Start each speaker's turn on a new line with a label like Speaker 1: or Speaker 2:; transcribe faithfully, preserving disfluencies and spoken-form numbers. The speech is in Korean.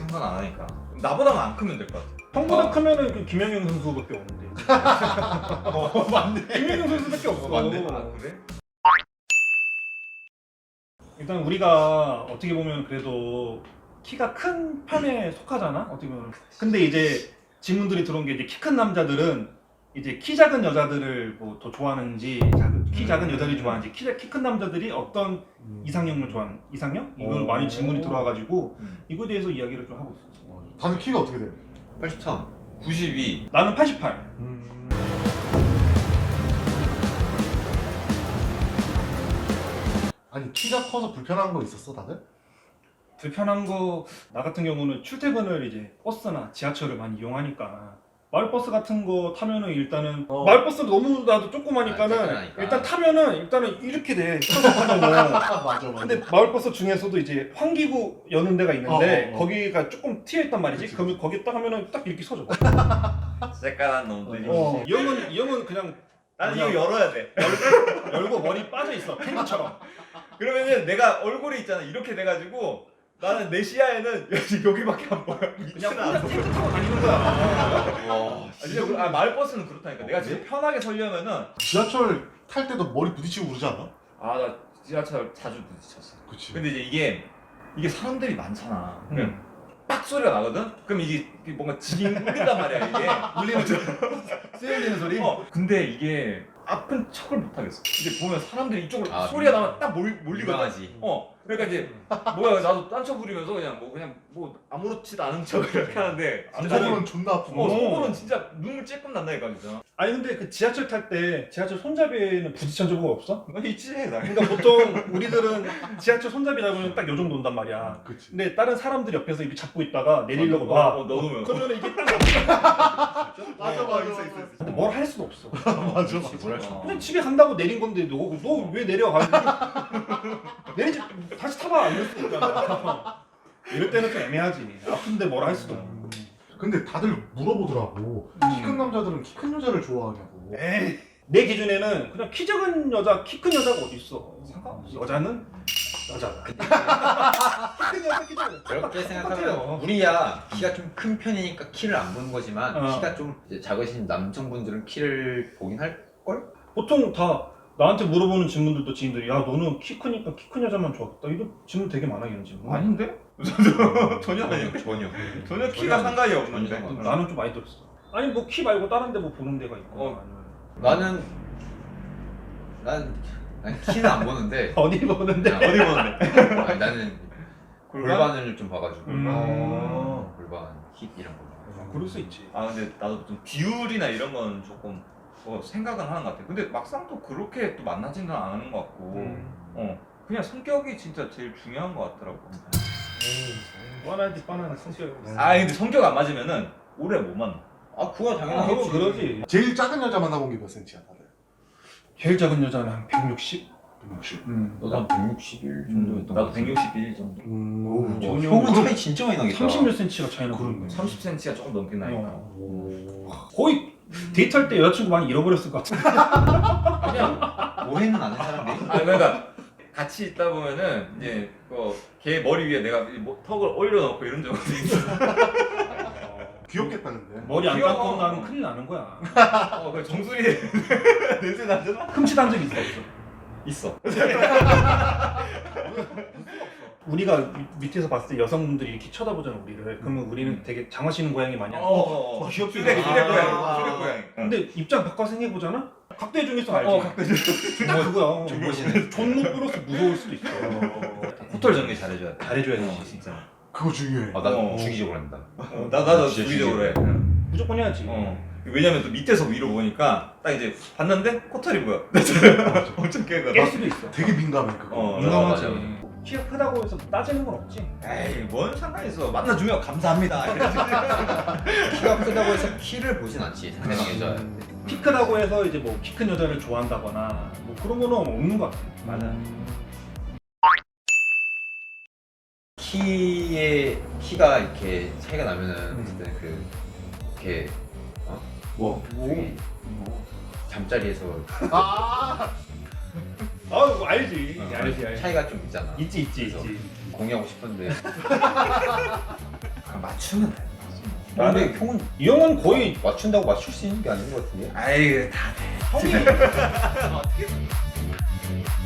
Speaker 1: 상관 안 하니까. 나보다만 안 크면 될 것 같아.
Speaker 2: 형보다
Speaker 1: 어.
Speaker 2: 크면은 그 김영영 선수밖에 없는데.
Speaker 1: 어 맞네.
Speaker 2: 김영영 선수밖에 없어.
Speaker 1: 어, 맞네. 아 그래?
Speaker 2: 일단 우리가 어떻게 보면 그래도 키가 큰 편에 속하잖아. 어떻게 보면. 근데 이제 질문들이 들어온 게 이제 키 큰 남자들은 이제 키 작은 여자들을 뭐 더 좋아하는지, 작은- 키 작은
Speaker 1: 음.
Speaker 2: 여자들이 좋아하는지, 키 큰 남자들이 어떤
Speaker 3: 음.
Speaker 2: 이상형을 좋아하는 이상형? 이걸
Speaker 3: 오.
Speaker 2: 많이 질문이 들어와가지고
Speaker 1: 음.
Speaker 2: 이거에 대해서 이야기를 좀 하고 있어.
Speaker 3: 다들 키가 어떻게 돼요?
Speaker 4: 팔십삼.
Speaker 1: 구십이.
Speaker 2: 나는 팔십팔.
Speaker 3: 음. 아니 키가 커서 불편한 거 있었어 다들?
Speaker 2: 불편한 거, 나 같은 경우는 출퇴근을 이제 버스나 지하철을 많이 이용하니까 마을버스 같은 거 타면은 일단은
Speaker 3: 어.
Speaker 2: 마을버스는 너무 나도
Speaker 4: 아,
Speaker 2: 조그마니까는
Speaker 4: 쫓겨나니까.
Speaker 2: 일단 타면은 일단은 이렇게 돼. 타서 타면은.
Speaker 3: 아 맞아 맞아.
Speaker 2: 근데 마을버스 중에서도 이제 환기구 여는 데가 있는데
Speaker 3: 어, 어, 어.
Speaker 2: 거기가 조금 튀어 있단 말이지.
Speaker 3: 그치,
Speaker 2: 그러면 거기 딱 하면은 딱 이렇게 서져.
Speaker 1: 새까만 놈들이.
Speaker 2: 어. 이 형은 이 형은 그냥
Speaker 1: 나는
Speaker 2: 그냥
Speaker 1: 이거 열어야 돼.
Speaker 2: 열고 머리 빠져 있어. 펭귄처럼.
Speaker 1: 그러면은 내가 얼굴이 있잖아. 이렇게 돼가지고 나는 내 시야에는 여기 여기밖에 안 보여.
Speaker 2: 그냥
Speaker 1: 밑은
Speaker 2: 혼자
Speaker 1: 안 보여.
Speaker 2: 탱크 타고 다니는 거야.
Speaker 4: 와.
Speaker 1: 아, 진짜 그, 아, 마을버스는 그렇다니까. 내가 진짜 편하게 서려면은
Speaker 3: 지하철 탈 때도 머리 부딪히고 그러지 않아?
Speaker 1: 아 나 지하철 자주 부딪혔어.
Speaker 3: 그치.
Speaker 1: 근데 이제 이게 이게 사람들이 많잖아. 그냥
Speaker 2: 음.
Speaker 1: 빡 소리가 나거든. 그럼 이게 이게 뭔가 징 울린단 말이야 이게.
Speaker 2: 울리는 소리. 쓰여지는 소리.
Speaker 1: 어. 근데 이게 아픈 척을 못 하겠어. 이제 보면 사람들이 이쪽으로
Speaker 4: 아,
Speaker 1: 소리가 나면 딱 몰, 몰리거든.
Speaker 4: 민망하지.
Speaker 1: 어. 그러니까 이제 뭐야 나도 딴척 부리면서 그냥 뭐 그냥 뭐 아무렇지도 않은 척을 이렇게 하는데 진짜 나는-
Speaker 3: 속으로는 존나 아프고.
Speaker 1: 어 속으로는 진짜 눈물 찔끔 난다니까 진짜.
Speaker 2: 아니 근데 그 지하철 탈 때 지하철 손잡이는 부딪힌 적은 없어?
Speaker 1: 너 있지 나.
Speaker 2: 그러니까 보통 우리들은 지하철 손잡이 잡으면 딱 요 정도 온단 말이야.
Speaker 3: 그치.
Speaker 2: 근데 다른 사람들이 옆에서 이렇게 잡고 있다가 내리려고
Speaker 1: 어,
Speaker 2: 놔.
Speaker 1: 어, 넣어놓으면.
Speaker 2: 그러면 이게 딱 맞아.
Speaker 3: 맞아,
Speaker 1: 어,
Speaker 3: 맞아,
Speaker 1: 있어,
Speaker 3: 맞아.
Speaker 1: 있어, 있어.
Speaker 2: 근데 뭘 할 수도 없어.
Speaker 3: 맞아
Speaker 1: 그치,
Speaker 3: 맞아.
Speaker 4: 뭐랄 수
Speaker 1: 어.
Speaker 2: 그냥 집에 간다고 내린 건데 너 너 왜 내려가? 내리지 다시 타봐 이럴 수 없잖아. 이럴 때는 좀 애매하지. 아픈데 뭘 할 수도 없고.
Speaker 3: 근데 다들 물어보더라고. 키 큰 남자들은 키 큰 여자를 좋아하냐고.
Speaker 2: 에이. 내 기준에는 그냥 키 작은 여자, 키 큰 여자가 어디 있어? 상관없어. 여자는 여자다. 키 큰 여자, 키 작은 여자.
Speaker 4: 그렇게 생각하면
Speaker 2: 똑같아요.
Speaker 4: 우리야 키가 좀 큰 편이니까 키를 안 보는 거지만
Speaker 2: 어.
Speaker 4: 키가 좀 이제 작으신 남성분들은 키를 보긴 할 걸?
Speaker 2: 보통 다 나한테 물어보는 질문들도 지인들이 야 너는 키 크니까 키 큰 여자만 좋아하겠다 이런 질문 되게 많아 이런 질문.
Speaker 1: 아닌데? 전혀 아니야.
Speaker 4: 전혀.
Speaker 1: 전혀 키가 상관이 없는데.
Speaker 4: 전혀 상관.
Speaker 2: 나는 좀 많이 들었어. 아니 뭐 키 말고 다른 데 뭐 보는 데가 있고.
Speaker 1: 어.
Speaker 2: 아니면
Speaker 4: 나는 난, 난 키는 안 보는데
Speaker 2: 어디 보는데?
Speaker 4: 어디 보는데? 아니, 나는
Speaker 1: 골반?
Speaker 4: 골반을 좀 봐가지고
Speaker 2: 음.
Speaker 4: 어, 골반, 힙 이런 거.
Speaker 2: 그럴 수 있지.
Speaker 1: 아 근데 나도 좀 비율이나 이런 건 조금 뭐 생각은 하는 것 같아. 근데 막상 또 그렇게 또 만나지는 않은 것 같고,
Speaker 2: 음.
Speaker 1: 어 그냥 성격이 진짜 제일 중요한 것 같더라고.
Speaker 2: 뻔하지 뻔한 성격.
Speaker 1: 아 근데 성격 안 맞으면은 오래 못 만나.
Speaker 4: 아 그거
Speaker 2: 아,
Speaker 4: 당연하겠지.
Speaker 2: 그거 그러지.
Speaker 3: 제일 작은 여자 만나본 게 몇 센치야 다들?
Speaker 2: 제일 작은 여자는 한 백육십?
Speaker 3: 백육십.
Speaker 2: 음.
Speaker 4: 너도 한 백육십일 정도였던 것
Speaker 1: 나도
Speaker 4: 같은데.
Speaker 1: 백육십일 정도.
Speaker 3: 음.
Speaker 2: 전혀-
Speaker 4: 형은 차이 진짜 많이 나겠다.
Speaker 2: 삼십 몇 센치가 차이나
Speaker 3: 그러네.
Speaker 2: 그런 거야.
Speaker 1: 삼십 센티미터가 조금 넘긴 나니까.
Speaker 2: 어.
Speaker 3: 오.
Speaker 2: 거의 데이트할 때 여자친구 많이 잃어버렸을 것 같은데.
Speaker 4: 그냥 오해는 안 한 사람들이.
Speaker 1: 아 그러니까 같이 있다 보면은 이제 그걔 머리 위에 내가 이 뭐- 턱을 올려놓고 이런 적도 있어.
Speaker 3: 귀엽겠다 근데.
Speaker 2: 머리 안
Speaker 1: 귀여워.
Speaker 2: 감고 나면 큰일 나는 거야.
Speaker 1: 어, 그 정수리 냄새 나잖아.
Speaker 2: 흠칫한 적 있어 없어?
Speaker 1: 있어.
Speaker 2: 우리가 미- 밑에서 봤을 때 여성분들이 이렇게 쳐다보잖아 우리를. 그러면 우리는 되게 장화시는 고양이 마냥.
Speaker 1: 어, 어,
Speaker 2: 귀엽지.
Speaker 1: 쓰레기 쓰레기
Speaker 4: 아.
Speaker 1: 고양이. 쓰레기 고양이.
Speaker 2: 근데 입장 바꿔서 생각해보잖아? 각도의 중에서 알지?
Speaker 1: 어, 각도의
Speaker 2: 딱 그거야.
Speaker 4: 존버시네.
Speaker 2: 존노 플러스 무서울 수도 있어.
Speaker 1: 호텔 정리 잘해줘야 돼.
Speaker 2: 잘해줘야지.
Speaker 1: 어, 진짜.
Speaker 3: 그거 중요해.
Speaker 4: 아, 난
Speaker 1: 어.
Speaker 4: 주기적으로 한다.
Speaker 1: 어, 나 나도
Speaker 4: 진짜
Speaker 1: 주기적으로 해.
Speaker 2: 무조건 해야지.
Speaker 1: 어. 왜냐면 또 밑에서 위로 보니까 딱 이제 봤는데 코털이 보여. 엄청 깨거든.
Speaker 2: 깰 수도 있어.
Speaker 3: 되게 민감해 그거.
Speaker 1: 어,
Speaker 2: 민감하지.
Speaker 4: 맞아,
Speaker 2: 키가 크다고 해서 따지는 건 없지.
Speaker 1: 에이, 뭔 상관이 있어. 만나주면 감사합니다.
Speaker 4: 키가 크다고 해서 키를 보진 않지 상대방 여자한테.
Speaker 2: 키 크다고 해서 이제 뭐 키 큰 여자를 좋아한다거나 뭐 그런 거는 없는 것 같아.
Speaker 1: 맞아.
Speaker 4: 키에 키가 이렇게 차이가 나면은
Speaker 2: 음.
Speaker 4: 어쨌든 그 이렇게 어?
Speaker 3: 뭐?
Speaker 4: 저기 잠자리에서
Speaker 3: 아.
Speaker 2: 아, 뭐 알지.
Speaker 4: 어,
Speaker 2: 알지, 알지.
Speaker 4: 차이가 좀 있잖아.
Speaker 2: 있지, 있지,
Speaker 4: 그래서
Speaker 2: 있지.
Speaker 4: 공유하고 싶은데
Speaker 1: 맞추면 돼.
Speaker 4: 근데 형은
Speaker 2: 이 형은 거의
Speaker 4: 맞춘다고 맞출 수 있는 게 아닌 것 같은데.
Speaker 1: 아이 다 돼.
Speaker 4: 형이
Speaker 1: 어떻게